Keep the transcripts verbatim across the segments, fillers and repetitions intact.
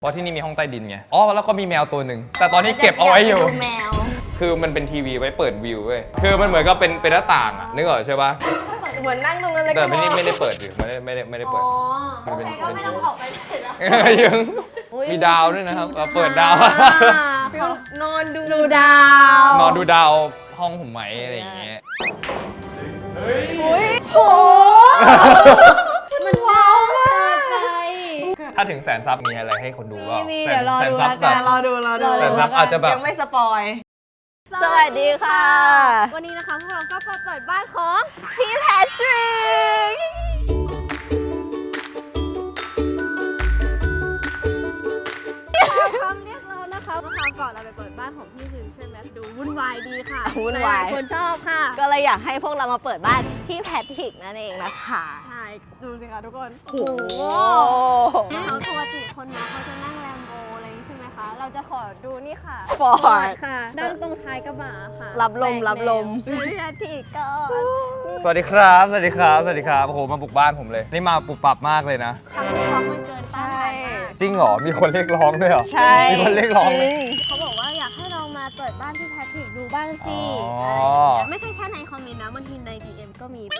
เพราะที่นี่มีห้องใต้ดินไงอ๋อแล้วก็มีแมวตัวหนึ่งแต่ตอนนี้เก็บเอาไว้อยู่แมวคือมันเป็นทีวีไว้เปิดวิวเว้ยคือมันเหมือนกับเป็นเป็นหน้าต่างอะนึกออกใช่ปะเหมือนนั่งตรงนั้นเลยแต่ไม่ได้ไม่ได้เปิดอยู่ไม่ได้ไม่ได้ไม่ได้เปิดมันเป็นก็ไม่ต้องออกไปไหนแล้วยังมีดาวด้วยนะครับเปิดดาวนอนดูดาวนอนดูดาวห้องผมไหมอะไรอย่างเงี้ยเฮ้ยโหมันว้าวมากถ้าถึงแสนซับมีอะไรให้คนดูก็เดี๋ยวรอดูแล้วกันรอดูรอดูแสนซับอาจจะแบบยังไม่สปอยสวัสดีค่ะวันนี้นะคะพวกเราก็มาเปิดบ้านของพี่แพทริกคำเรียกเรานะคะเมื่อคราวก่อนเราไปเปิดบ้านของพี่ซิมใช่ไหมดูวุ่นวายดีค่ะวุ่นวายคนชอบค่ะก็เลยอยากให้พวกเรามาเปิดบ้านพี่แพทริกนั่นเองนะคะใช่ดูสิคะทุกคนโอ้โหเขาปกติคนมาเขาจะนั่งแลมโบอะไรใช่ไหมคะเราจะขอดูนี่ค่ะฟอร์ดค่ะนั่งตรงท้ายกระบะค่ะรับลมรับลมพี่แพทริกก่อนสวัสดีครับสวัสดีครับสวัสดีครับโอ้โหมาบุกบ้านผมเลยนี่มาปุบปับมากเลยนะคำเรียกร้องมันเกินต้านจริงเหรอมีคนเรียกร้องด้วยเหรอใช่มีคนเรียกร้องเขาบอกว่าอยากให้เรามาเปิดบ้านพี่แพทริกดูบ้านสิไม่ใช่แค่ในคอมเมนต์นะบางทีใน ดี เอ็ม ก็มี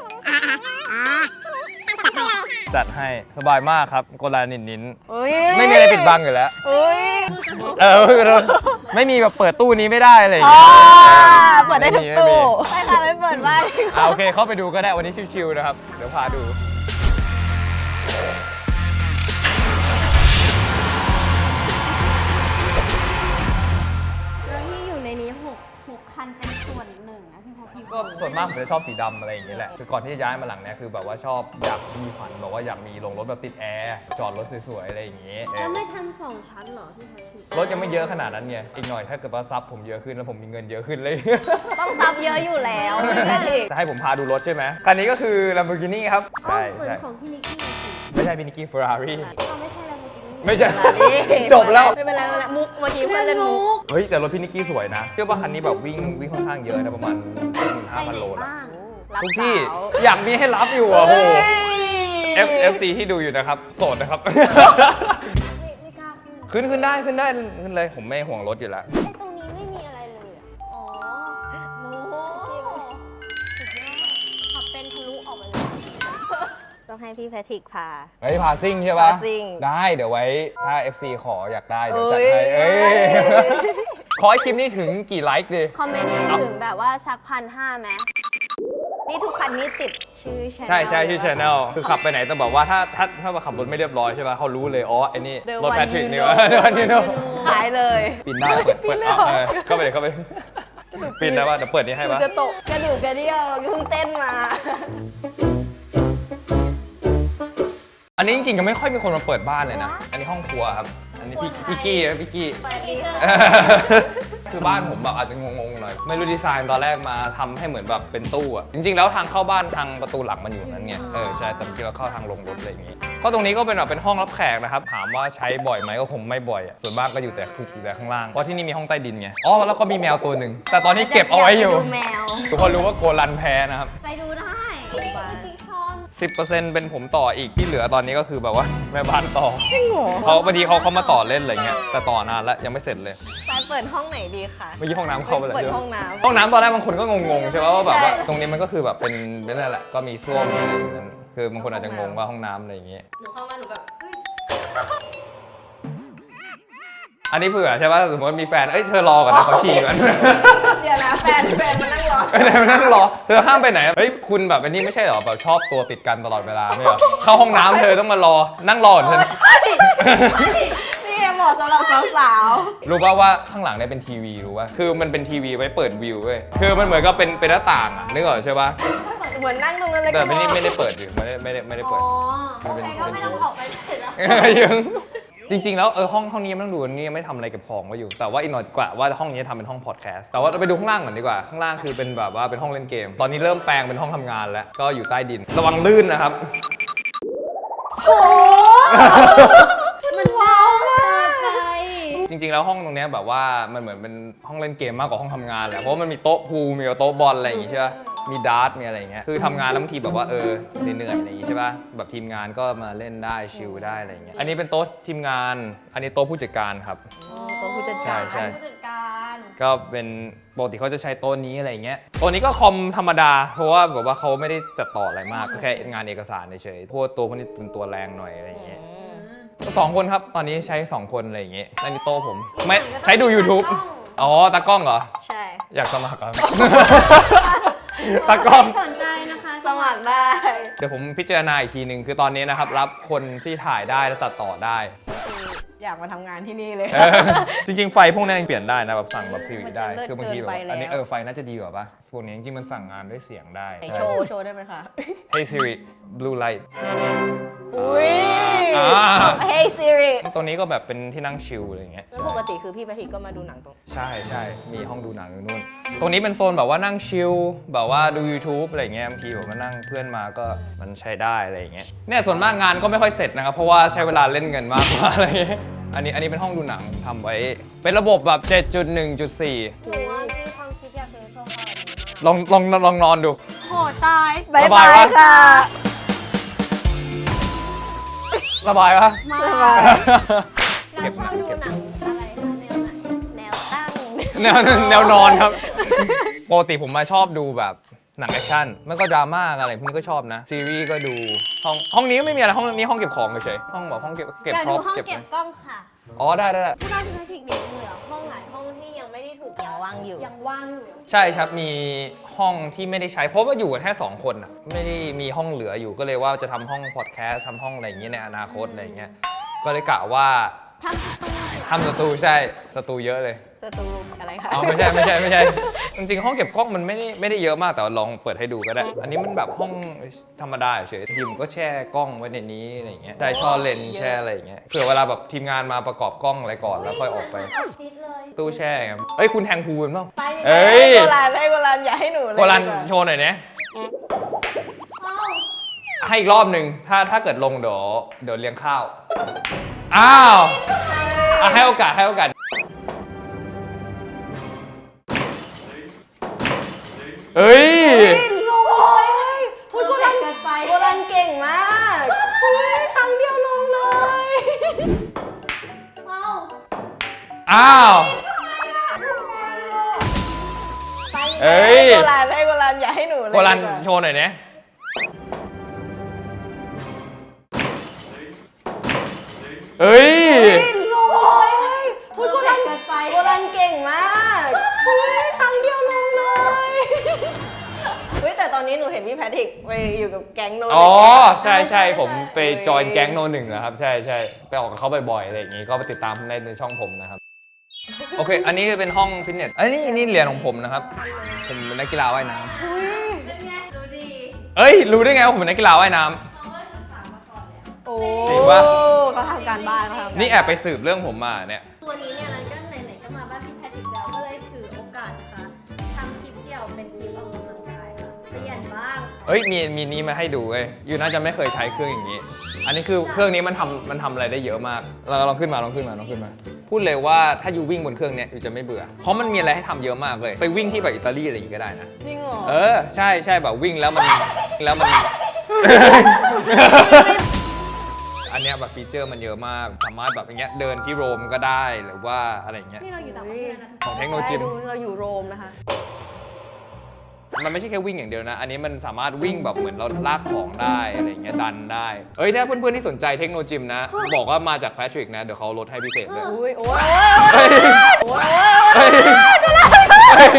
จัดให้สบายมากครับโกลานินนินไม่มีอะไรปิดบังอยู่แล้วเออไม่มีแบบเปิดตู้นี้ไม่ได้อะไรอย่างเงี้ยเปิดได้ทุกตู้ไปค่ะไปเปิดบ้านอ่าโอเคเข้าไปดูก็ได้วันนี้ชิวๆนะครับเดี๋ยวพาดูคันเป็นส่วนหนึ่งนะพี่แพทริกก็ส่วนมากผมจะชอบสีดำอะไรอย่างเงี้ยแหละคือก่อนที่จะย้ายมาหลังเนี้ยคือแบบว่าชอบอยากมีฝันบอกว่าอยากมีโรงรถแบบติดแอร์จอดรถสวยๆอะไรอย่างเงี้ยแล้วไม่ทำสองชั้นหรอพี่แพทริกรถยังไม่เยอะขนาดนั้นไงอีกหน่อยถ้าเกิดว่าซับผมเยอะขึ้นแล้วผมมีเงินเยอะขึ้นเลยต้องซับเยอะอยู่แล้วพี่แพทริกจะให้ผมพาดูรถใช่ไหมคันนี้ก็คือ Lamborghini ครับใช่เหมือนของพี่นิกกี้ไม่ใช่พี่นิกกี้ Ferrari ไม่ใช่ Lamborghini ไม่ใช่จบแล้วไม่เป็นไรไม่เป็นไรมุกเมื่อกี้เพื่อนเล่นมุกเฮ้ยแต่รถพี่นิกกี้สวยนะเชื่อว่าคันนี้แบบวิ่งวิ่งค่อนข้างเยอะนะประมาณ หนึ่งหมื่นห้าพัน โลนะทุกที่อยากมีให้รับอยู่อ่ะโอ้โห F F C ที่ดูอยู่นะครับโสดนะครับไม่กล้าขึ้นขึ้นได้ขึ้นได้ขึ้นเลยผมไม่ห่วงรถอยู่แล้วตรงนี้ไม่มีอะไรเลยอ๋อโอ้โหสุดยอดขับเป็นทะลุออกมาเลยต้องให้พี่แพทริกพาเฮ้ยพาซิ่งใช่ปะได้เดี๋ยวไว้ถ้า F C ขออยากได้เดี๋ยวจัดให้เอ้ยขอให้คลิปนี้ถึงกี่ไลค์ดิคอมเมนต์ถึงแบบว่าสักพันห้าไหมนี่ทุกคันนี้ติดชื่อช่องใช่ใช่ชื่อ channel คือขับไปไหนต้องบอกว่าถ้าถ้าถ้ามาขับรถไม่เรียบร้อยใช่ป่ะเขารู้เลยอ๋อไอ้นี่รถแพทริกนี่วะเดี๋ยวนี้เนาะขายเลยปิดได้เปิดเปิดเข้าไปเลยเข้าไปปิดได้ว่าเดี๋ยวเปิดนี่ให้ป่ะจะตกกระดูกกระเดี่ยวเพิ่งเต้นมาอันนี้จริงๆก็ไม่ค่อยมีคนมาเปิดบ้านเลยนะอันนี้ห้องครัวครับอันนี้พี่พี่กี้นะพี่กี้คือบ้านผมแบบอาจจะงงๆหน่อยไม่รู้ดีไซน์ตอนแรกมาทำให้เหมือนแบบเป็นตู้อะจริงๆแล้วทางเข้าบ้านทางประตูหลังมันอยู่นั้นไงเออใช่แต่จริงๆเราเข้าทางลงรถอะไรอย่างงี้ก็ตรงนี้ก็เป็นแบบเป็นห้องรับแขกนะครับถามว่าใช้บ่อยไหมก็คงไม่บ่อยอะส่วนมากก็อยู่แต่คุกอยู่แต่ข้างล่างเพราะที่นี่มีห้องใต้ดินไงอ๋อแล้วก็มีแมวตัวหนึ่งแต่ตอนนี้เก็บเอาไว้อยู่ทุกคนรู้ว่าโกลันแพ้นะครับไปดูได้สิบเปอร์เซ็นต์ เป็นผมต่ออีกที่เหลือตอนนี้ก็คือแบบว่าแม่บ้านต่อจริงเหรอเขาพอดีเขาเขามาต่อเล่นอะไรเงี้ยแต่ต่อนานแล้วยังไม่เสร็จเลยไปเปิดห้องไหนดีคะเมื่อกี้ห้องน้ำเข้าไปเลยเปิดห้องน้ำห้องน้ำตอนแรกบางคนก็งงๆใช่ไหมว่าแบบว่าตรงนี้มันก็คือแบบเป็นนั่นแหละก็มีส้วมอะไรอย่างนั้นคือบางคนอาจจะงงว่าห้องน้ำอะไรอย่างเงี้ยหนูเข้ามาหนูแบบอันนี้เผื่อใช่ป่ะสมมติมีแฟนเอ้ยเธอรอก่อนนะเขาฉี่ก่อนเดี๋ยวนะแฟนแฟนมานั่งรอแฟนมานั่งรอเธอห้ามไปไหนเฮ้ยคุณแบบอันนี้ไม่ใช่หรอแบบชอบตัวติดกันตลอดเวลาไม่เหรอเข้าห้องน้ำเธอต้องมารอนั่งรอเธอนี่เหมาะสำหรับสาวๆรู้ป่ะว่าข้างหลังเนี่ยเป็นทีวีรู้ป่ะคือมันเป็นทีวีไว้เปิดวิวเว้ยคือมันเหมือนกับเป็นเป็นหน้าต่างอ่ะนึกออกใช่ป่ะเหมือนนั่งตรงนั้นเลยแต่ไม่ได้ไม่ได้เปิดอยู่ไม่ได้ไม่ได้ไม่ได้เปิดมันเป็นก็ไม่ต้องออกไปไหนแล้วจริงๆแล้วเออห้องห้องนี้ไม่ต้องดูนี่ยังไม่ทำอะไรเก็บของไว้อยู่แต่ว่าอีกหน่อยกว่าว่าห้องนี้ทำเป็นห้องพอดแคสต์แต่ว่าเราไปดูข้างล่างก่อนดีกว่าข้างล่างคือเป็นแบบว่าเป็นห้องเล่นเกมตอนนี้เริ่มแปลงเป็นห้องทำงานแล้วก็อยู่ใต้ดินระวังลื่นนะครับโอ้มันว้าวมากเลยจริงๆแล้วห้องตรงนี้แบบว่ามันเหมือนเป็นห้องเล่นเกมมากกว่าห้องทำงานแหละเพราะมันมีโต๊ะพูลมีโต๊ะบอลอะไรอย่างงี้ใช่ไหมมีดาร์ตมีอะไรเงี้ยคือทำงานแล้วบางทีแบบว่าเออเหนื่อยๆอะไรอย่างงี้ใช่ป่ะแบบทีมงานก็มาเล่นได้ชิลได้อะไรเงี้ยอันนี้เป็นโต๊ะทีมงานอันนี้โต๊ะผู้จัดการครับตัวผู้จัดใช่การใช่ผู้จัดการก็เป็นปกติเขาจะใช้โต๊ะนี้อะไรเงี้ยโต๊ะนี้ก็คอมธรรมดาเพราะว่าแบบว่าเขาไม่ได้ตัดต่ออะไรมากก็แค่งานเอกสารเฉยๆพวกตัวพวกนี้เป็นตัวแรงหน่อยอะไรเงี้ยสองคนครับตอนนี้ใช้สองคนอะไรอย่างเงี้ยอันนี้โต๊ะผมไม่ใช้ดู YouTube อ๋อตากล้องเหรอใช่อยากสมัครครับ ตากล้องสนใจนะคะสมัครได้เดี๋ยวผมพิจารณาอีกทีหนึ่งคือตอนนี้นะครับรับคนที่ถ่ายได้และตัดต่อได้อยากมาทำงานที่นี่เลยเออจริงๆ ไฟพวกนี้ยังเปลี่ยนได้นะแบบสั่งแบบซีวิได้มันจะเลิศคือบางทีแบบเกินไปแล้วอันนี้เออไฟน่าจะดีกว่าปะพวกนี้จริงๆมันสั่งงานด้วยเสียงได้โชว์โชว์ได้ไหมคะ Hey Siri Blue Light อุ้ยอ่า Hey Siri ตัวนี้ก็แบบเป็นที่นั่งชิลอะไรอย่างเงี้ยแล้วปกติคือพี่แพทริกก็มาดูหนังตรงใช่ใช่มีห้องดูหนังอยู่นู่นตรงนี้เป็นโซนแบบว่านั่งชิลแบบว่าดู YouTube อะไรอย่างเงี้ยบางทีผมมานั่งเพื่อนมาก็มันใช้ได้อะไรอย่างเงี้ยเนี่ยส่วนมากงานก็ไม่ค่อยเสร็จนะครับเพราะว่าใช้เวลาเล่นเงินมากกว่าอะไรอย่างเงี้ยอันนี้อันนี้เป็นห้องดูหนังทำไว้เป็นระบบแบบ เจ็ดจุดหนึ่งจุดสี่หนูว่ามีความคิดอยากซื้อโซฟาแบบนี้มากลองลองลองนอนดูโหตายสบายวะค่ะสบายปะมาเก็บชหอนับงดูเก็บหนังอะไรคะแนวไหนแนวตั้งแนวแนวนอนครับปกติผมมาชอบดูแบบหนังแอคชั่นไม่ก็ดราม่าอะไรพวกนี้ก็ชอบนะซีรีส์ก็ดูห้องห้องนี้ก็ไม่มีอะไรห้องนี้ห้องเก็บของเฉยๆห้องแบบห้องเก็บเก็บอยากพร็ดูอพห้องเก็บเก็บกล้องค่ะอ๋อได้ได้ได้ที่บ้านพิพิธเด็กเหลือห้องหลายห้องที่ยังไม่ได้ถูกยังว่างอยู่ยังว่างอยู่ใช่ครับมีห้องที่ไม่ได้ใช้เพราะว่าอยู่กันแค่สองคนอะไม่ได้มีห้องเหลืออยู่ก็เลยว่าจะทำห้องพอดแคสต์ทำห้องอะไรอย่างเงี้ยในอนาคตอะไรอย่างเงี้ยก็เลยกะว่าทำประตูทำสตูใช่สตูเยอะเลยจะตูอะไรคะเอาไม่ใช่ไม่ใช่ไม่ใช่ จริงๆ ห้องเก็บกล้องมันไม่ได้ไม่ได้เยอะมากแต่ว่าลองเปิดให้ดูก็ได้ อันนี้มันแบบห้องธรรมดาเฉยทีมก็แช่กล้องไว้ในนี้อะไรอย่างเงี้ยใช่ช่อเลนส์แช่อะไรอย่างเงี้ยเผื่อเวลาแบบทีมงานมาประกอบกล้องอะไรก่อนแล้วค่อยออกไปเหมือนออฟฟิศเลยตู้แช่ไงเอ้ยคุณแทงพูนเปล่าไปเอ้ยโกลันให้โกลันอย่าให้หนูเลยโกลันดีว่าโชว์หน่อยนะเอ้าให้อีกรอบหนึ่งถ้าถ้าเกิดลงเดี๋ยวเดี๋ยวเลี้ยงข้าวอ้าวอ่ะให้โอกาสให้โอกาสเอ้ยโอ้ยโอ้ยโกลันเกินไปโกลันเก่งมากเฮ้ยครั้งเดียวลงเลยเอ้าอ้าวไปเอ้ยโกลันให้โกลันอย่าให้หนูเลยโกลันดีว่าโชว์หน่อยนะเอ้ยโอ้ยโอ้ยโกลันเกินไปโกลันเก่งมากเฮ้ยครั้งเดียวลงเลยเฮ้ยแต่ตอนนี้หนูเห็นพี่แพทริกไปอยู่กับแก๊งโนอ๋อ ใช่ใช่ผมไปจอยแก๊งโนหนึ่งนะครับ ใช่ใช่ไปออกกับเขาบ่อยๆอะไรอย่างงี้ก็ไปติดตามได้ในช่องผมนะครับ โอเค อันนี้เป็นห้องฟิตเนสอันนี้นี่เหรียญของผมนะครับ ผมเป็นนักกีฬาว่ายน้เป็นไงดูดีำเอ้ย รู้ได้ไงว่าผมเป็นนักกีฬาว่ายน้ำเขาก็ศึกษามาก่อนแล้วโอ้จริงปะเขาทำการบ้านเขาทำการบ้านี่แอบไปสืบเรื่องผมมาเนี่ยตัวนี้เนี่ยเราก็ไหนๆก็มาบ้านพี่แพทริกแล้วก็เลยถือโอกาสนะคะทำคลิปเดี่ยวเป็นคลิปออกกำลังกายค่ะเปลี่ยนบ้างเอ้ย มีมีนี้มาให้ดูเว้ยยูน่าจะไม่เคยใช้เครื่องอย่างนี้ อันนี้คือเครื่องนี้มันทำมันทำอะไรได้เยอะมาก เราลองขึ้นมาลองขึ้นมาลองขึ้นมา พูดเลยว่าถ้ายูวิ่งบนเครื่องเนี้ยยูจะไม่เบื่อ เพราะมันมีอะไรให้ทำเยอะมากเลย ไปวิ่งที่แบบอิตาลีอะไรอย่างงี้ก็ได้นะจริงเหรอเออ ใช่ใช่แบบวิ่งแล้วมันแล้วมัน อันเนี้ยแบบฟีเจอร์มันเยอะมาก สามารถแบบอย่างเงี้ยเดินที่โรมก็ได้หรือว่าอะไรอย่างเงี้ยนี่เราอยู่ต่างประเทศนะของเทคโนโลยีดูเราอยู่โรมนะคะมันไม่ใช่แค่วิ่งอย่างเดียวนะ อันนี้มันสามารถวิ่งแบบเหมือนเราลากของได้อะไรอย่างเงี้ยดันได้ เอ้ยถ้าเพื่อนๆที่สนใจเทคโนโลยีนะ บอกว่ามาจากแพทริกนะ เดี๋ยวเขาลดให้พิเศษเลยอุ้ยโอ้ยเฮ้ยโอ้ยเฮ้ยเฮ้ย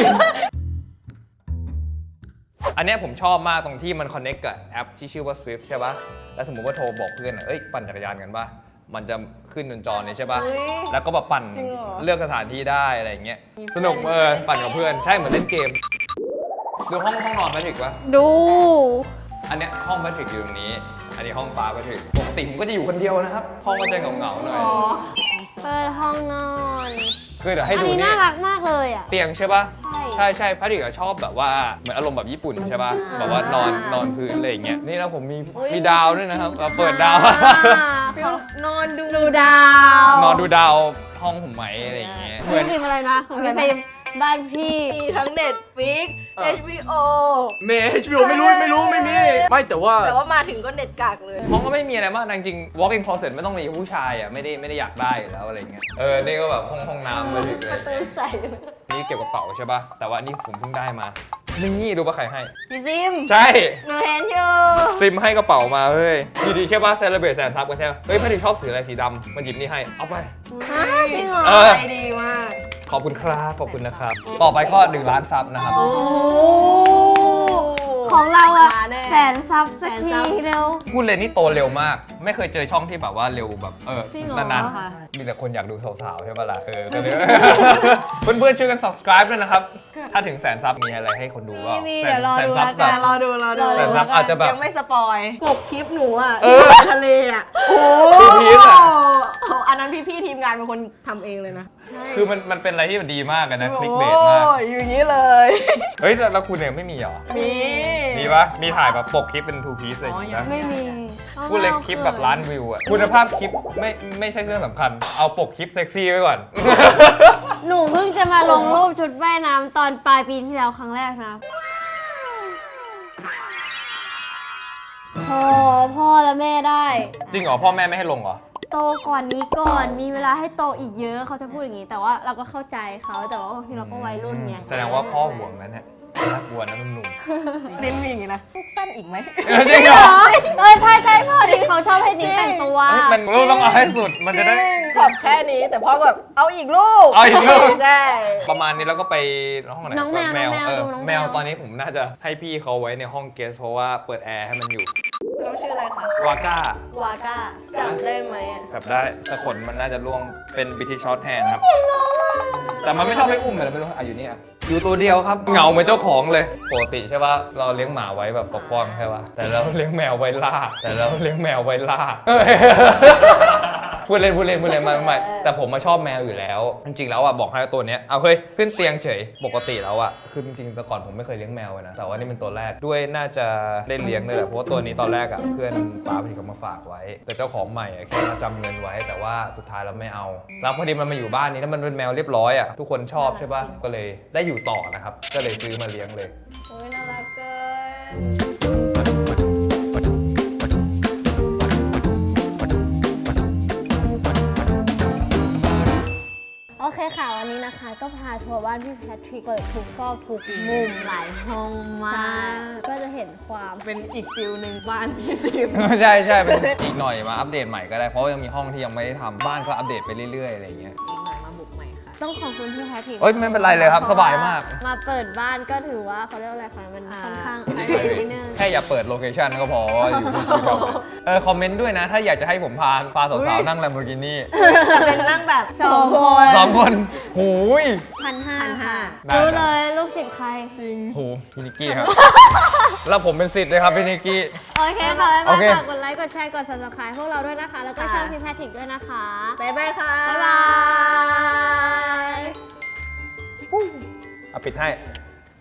อันเนี้ยผมชอบมากตรงที่มันคอนเน c t กับแอปที่ชื่อว่า Swift ใช่ปะแล้วสมมติว่าโทรบอกเพื่อนอะเอ้ยปั่นจักรยานกันปะมันจะขึ้นบนจอนี้ใช่ปะอุ๊ยแล้วก็แบบปั่นจริงเหรอเลือกสถานที่ได้อะไรอย่างเงี้ยมีสนุกเพื่อนเออปั่นกับเพื่อนใช่เหมือนเล่นเกม ดูห้องห้องนอนแพทริกปะดูอันเนี้ยห้องแพทริกอยู่ตรงนี้ อันนี้ห้องฟ้าแพทริกปกติผมก็จะอยู่คนเดียวนะครับ ห้องก็จะเหงาๆหน่อยเปิดห้องนอนคือเดี๋ยวให้อันดูนี้นี่น่ารักมากเลยอ่ะเตียงใช่ปะใช่ใช่ใช่แพทริกอะชอบแบบว่าเหมือนอารมณ์แบบญี่ปุ่นใช่ปะอ่าแบบว่านอนนอนพื้นอะไรอย่างเงี้ย นี่แล้วผมมีอุ๊ยมีดาวด้วยนะครับเราเปิดดาวเขานอนดูดูดาวนอนดูดาวห้องผมไหมอะไรอย่างเงี้ยเหมือนพิมพ์อะไรนะของพี่ฟิล์มบ้านพี่มีทั้ง Netflix อ่ะเอช บี โอเมย์ เอช บี โอ ไม่รู้ไม่รู้ไม่มี ไม่แต่ว่าแต่ว่ามาถึงก็เน็ตกากเลยห้องก็ไม่มีอะไรมากจริงๆ walk in closet ไม่ต้องมีผู้ชายอ่ะไม่ได้ไม่ได้อยากได้อยู่แล้วอะไรเงี้ยเออนี่ก็แบบห้องห้องน้ำไปถึงเลยประตูใส่นี่เก็บกระเป๋าใช่ป่ะแต่ว่านี่ผมเพิ่งได้มานี่ดูป่ะใครให้พี่ซิมใช่หนูเห็นอยู่ซิมให้กระเป๋ามาเฮ้ยดีดีใช่ป่ะเซเลบรตแสนซับกันใช่ไหมเฮ้ยพอดีชอบสีอะไรสีดำมันหยิบนี่ให้เอาไปฮะจริงเหรอเออใจดีมากขอบคุณครับขอบคุณนะครับต่อไปก็หนึ่งล้านซับนะครับโอ้ของเราอะมาแน่แสนซับสักแสนทีซับเร็วพูดเลยนี่โตเร็วมาก ไม่เคยเจอช่องที่แบบว่าเร็วแบบเออจริงเหรอนานค่ะๆมีแต่คนอยากดูสาวๆใช่ปะล่ะเออก็เลย เพื่อนๆช่วยกัน subscribe ด้วยนะครับ ถ้าถึงแสนซับมีอะไรให้คนดูก็มีแสเดี๋นยวรอแสนดูซับแล้วแบกับ นรอดูรอดูรอดูแสนซับอาจจะแบบยังไม่สปอยกบคลิปหนูอ่ะเออทะเลอ่ะโอ้พีชอ่ะโอ้อันนั้นพี่ๆทีมงานเป็นคนทำเองเลยนะคือมันมันเป็นอะไรที่มันดีมากอะนะคลิกเบสมากโอ้ยอย่างนี้เลยเฮ้ยแล้วแล้วคุณเนี่ยไม่มีเหรอมีมีปะมีถ่ายแบบปกคลิปเป็น two piece อะไรอย่างงี้ปะไม่มีพูดเลยคลิปแบบล้านวิวอะคุณภาพคลิปไม่ไม่ใช่เรื่องสำคัญ เอาปกคลิปเซ็กซี่ไว้ก่อนหนูเพิ่งจะมาลงรูปชุดว่ายน้ำตอนปลายปีที่แล้วครั้งแรกนะพอพ่อและแม่ได้จริงเหรอพ่อแม่ไม่ให้ลงเหรอโตก่อนนี้ก่อนมีเวลาให้โตอีกเยอะเขาจะพูดอย่างนี้ แต่ว่าเราก็เข้าใจเขาแต่ว่าบางทีเราก็วัยรุ่นไงแสดงว่าพ่อห่วงนั้นเนี่ยน่ากลัวนะหนุ่มเน้นมีอย่างนี้นะพวกสั้นอีกไหมๆเออจริงเหรอเออใช่ใช่พ่อดิเขาชอบให้นิ้งแต่งตัวเฮ้ยมันต้องเอาให้สุดมันจะได้ขอบแค่นี้แต่พ่อก็แบบเอาอีกลูกเอาอีกลูกใช่ประมาณนี้แล้วก็ไปห้องไหนน้องแมวแมวน้องแมวเออดูน้องแมวแมวตอนนี้ผมน่าจะให้พี่เขาไว้ในห้องเกสเพราะว่าเปิดแอร์ให้มันอยู่น้องชื่ออะไรคะวาก้าวาก้าจำได้ไหมอะแบบได้แต่ขนมันน่าจะร่วงเป็นบิทิชช็อตแฮนครับแต่มันไม่ชอบให้อุ้มเลยไม่รู้อ่ะอยู่นี่อ่ะอยู่ตัวเดียวครับเหงาเหมือนเจ้าของเลยปกติใช่ป่ะเราเลี้ยงหมาไว้แบบปกป้องใช่ป่ะแต่เราเลี้ยงแมวไว้ล่าแต่เราเลี้ยงแมวไว้ล่าเอ้ย พูดเล่นพูดเล่นพูดเล่นไมาไม่แต่ผมมาชอบแมวอยู่แล้ว จริงๆแล้วอ่ะบอกให้ตัวเนี้ยเอาเฮ้ยขึ้นเตียงเฉยปกติแล้วอ่ะคือจริงๆแต่ก่อนผมไม่เคยเลี้ยงแมวเลยนะแต่ว่านี่เป็นตัวแรกด้วยน่าจะได้เลี้ยงเลยแหละเพราะว่าตัวนี้ตอนแรกอ่ะเพื่อนป้าพอดีเขามาฝากไว้ แต่เจ้าของใหม่อ่ะแค่มาจำเงินไว้ แต่ว่าสุดท้ายเราไม่เอาแล้วพอดีมันมาอยู่บ้านนี้แล้วมันเป็นแมวเรียบร้อยอ่ะทุกคนชอบใช่ป่ะก็เลยได้อยู่ต่อนะครับก็เลยซื้อมาเลี้ยงเลยโอ้ยน่ารักเกินโอเคค่ะวันนี้นะคะ ก็พาทัวร์บ้านพี่แพทริกเปิดทุกซอกทุกมุมหลายห้องมากก็จะเห็นความเป็นอีกฟิลหนึ่งบ้านพี่ซิมใช่ใช่เป็นอีกหน่อยมาอัปเดตใหม่ก็ได้เพราะว่ายังมีห้องที่ยังไม่ได้ทำบ้านก็อัปเดตไปเรื่อยๆอะไรอย่างเงี้ยอีกหน่อยมาบุกใหม่ค่ะต้องขอบคุณพี่แพทริกเอ้ยไม่เป็นไรเลยครับสบายมากมาเปิดบ้านก็ถือว่าเขาเรียกว่าอะไรคะมันอ่าค่อนข้างไพรเวทนิดนึงแค่อย่าเปิดโลเคชันก็พอว่าอยู่ที่ที่เราเออคอมเมนต์ด้วยนะ ถ้าอยากจะให้ผมพาพาสาวๆนั่ง Lamborghini เป็นนั่งแบบสองคนสองคนหูยพันห้าพันห้าได้รู้เลยลูกศิษย์ใครจริงหูพี่นิกกี้ครับ แล้วผมเป็นสิทธิ์เลยครับพี่นิกกี้โอเคค่ะบ๊ายโอบายเคฝากกดไลค์ กดแชร์ กด subscribe พวกเราด้วยนะคะ แล้วก็ค่ะช่องพี่แพทริกด้วยนะคะบ๊ายบายค่ะบ๊ายบายเอาปิดให้